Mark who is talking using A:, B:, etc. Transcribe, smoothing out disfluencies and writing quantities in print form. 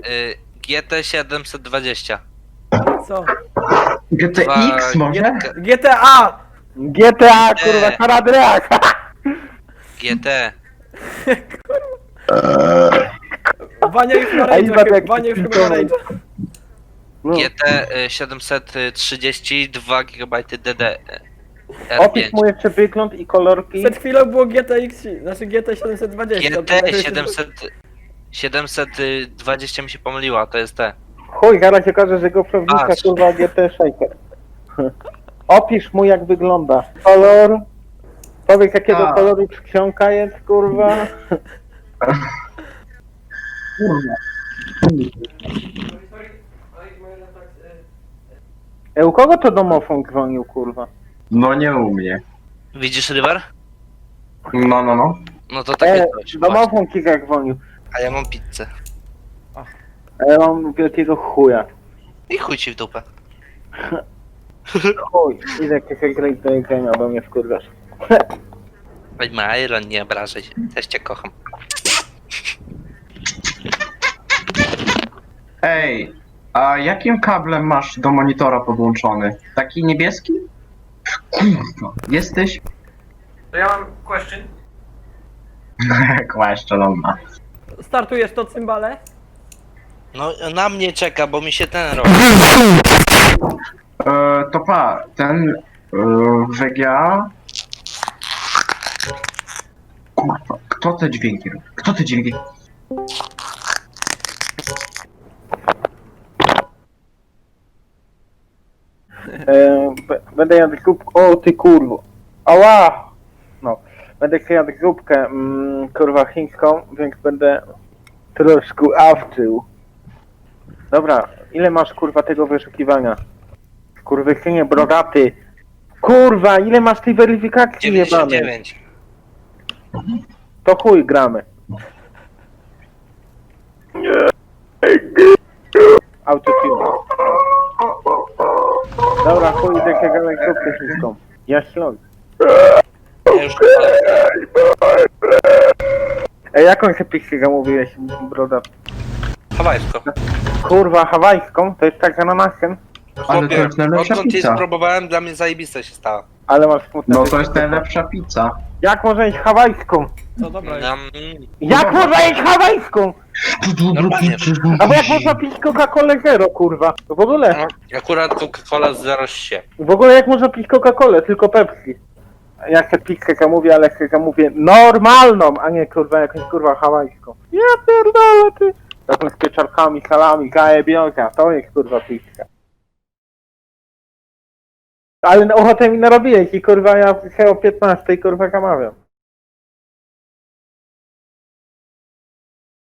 A: GT 720.
B: Co?
C: GTX może?
B: GTA!
D: GTA, kurwa, Haradreak!
A: GT.
B: Wania już ma
D: Ej,
B: rage'a,
D: Bartek,
B: Wania już chyba ma
D: pilnował.
B: rage'a.
D: No.
A: GT 732 GB DD.
D: Opisz
A: R5.
D: mu jeszcze wygląd i kolorki.
B: Przed chwilą było GTX, znaczy GT 720.
A: GT 720 mi się pomyliła, to jest te.
D: Chuj, zaraz się okaże, że go prawnika,
A: Patrz.
D: kurwa, GT Shaker. Opisz mu, jak wygląda. Kolor. Powiedz, jakiego
C: A.
D: koloru czcionka jest, kurwa. U kogo to domofon dzwonił, kurwa?
C: No nie u mnie.
A: Widzisz River?
C: No.
A: No to takie coś. właśnie.
D: Domofon kika dzwonił.
A: A ja mam pizzę.
D: A ja mam wielkiego chuja.
A: I chuj ci w dupę.
D: Chuj, idę jakiegoś grać do jedzenia, bo mnie wkurzasz.
A: Weź ma Iron, nie obrażaj się. Też cię kocham.
C: Ej, a jakim kablem masz do monitora podłączony? Taki niebieski? Kurwa, jesteś?
B: To ja mam question.
C: Kłaszcza, dobra.
B: Startujesz to cymbale?
A: No na mnie czeka, bo mi się ten robi.
C: To pa, ten WGA... Kurwa, kto te dźwięki robi? Kto te dźwięki?
D: Będę jadł grupkę. O ty kurwo. Ała! No. Będę chciał jadł grupkę, kurwa, chińską, więc będę troszkę awczył. Dobra, ile masz kurwa tego wyszukiwania? Kurwysynie brodaty. Kurwa, ile masz tej weryfikacji jebanej?
A: 99.
D: To chuj gramy. Autotune. Dobra, chuj, idę gadać grupkę chińską. Ja śląd.
A: Ja już
D: Ej, jaką się mówiłeś, brodat?
A: hawajsko.
D: Kurwa, hawajską? To jest tak ananasem?
C: Ale to jest najlepsza
A: odkąd jej
C: pizza.
A: spróbowałem, dla mnie zajebiste się stało.
D: Ale masz smutne.
C: No to jest najlepsza pizza.
D: Jak można jeść hawajską?
B: Co dobra jest.
D: Jak można jeść hawajską?
A: Normalnie.
D: Albo jak można pić Coca-Colę Zero, kurwa? W ogóle,
A: No, akurat Coca-Cola z się.
D: w ogóle jak można pić Coca-Colę, tylko Pepsi? Ja chcę pizzę mówię, ale chcę mówię normalną, a nie kurwa jakąś kurwa hawajską. Ja pierdolę ty. Taką z pieczarkami, salami, zajebionka, to jest kurwa pizza. Ale ochotę mi narobiłeś i kurwa ja się o 15 kurwa kamawiam.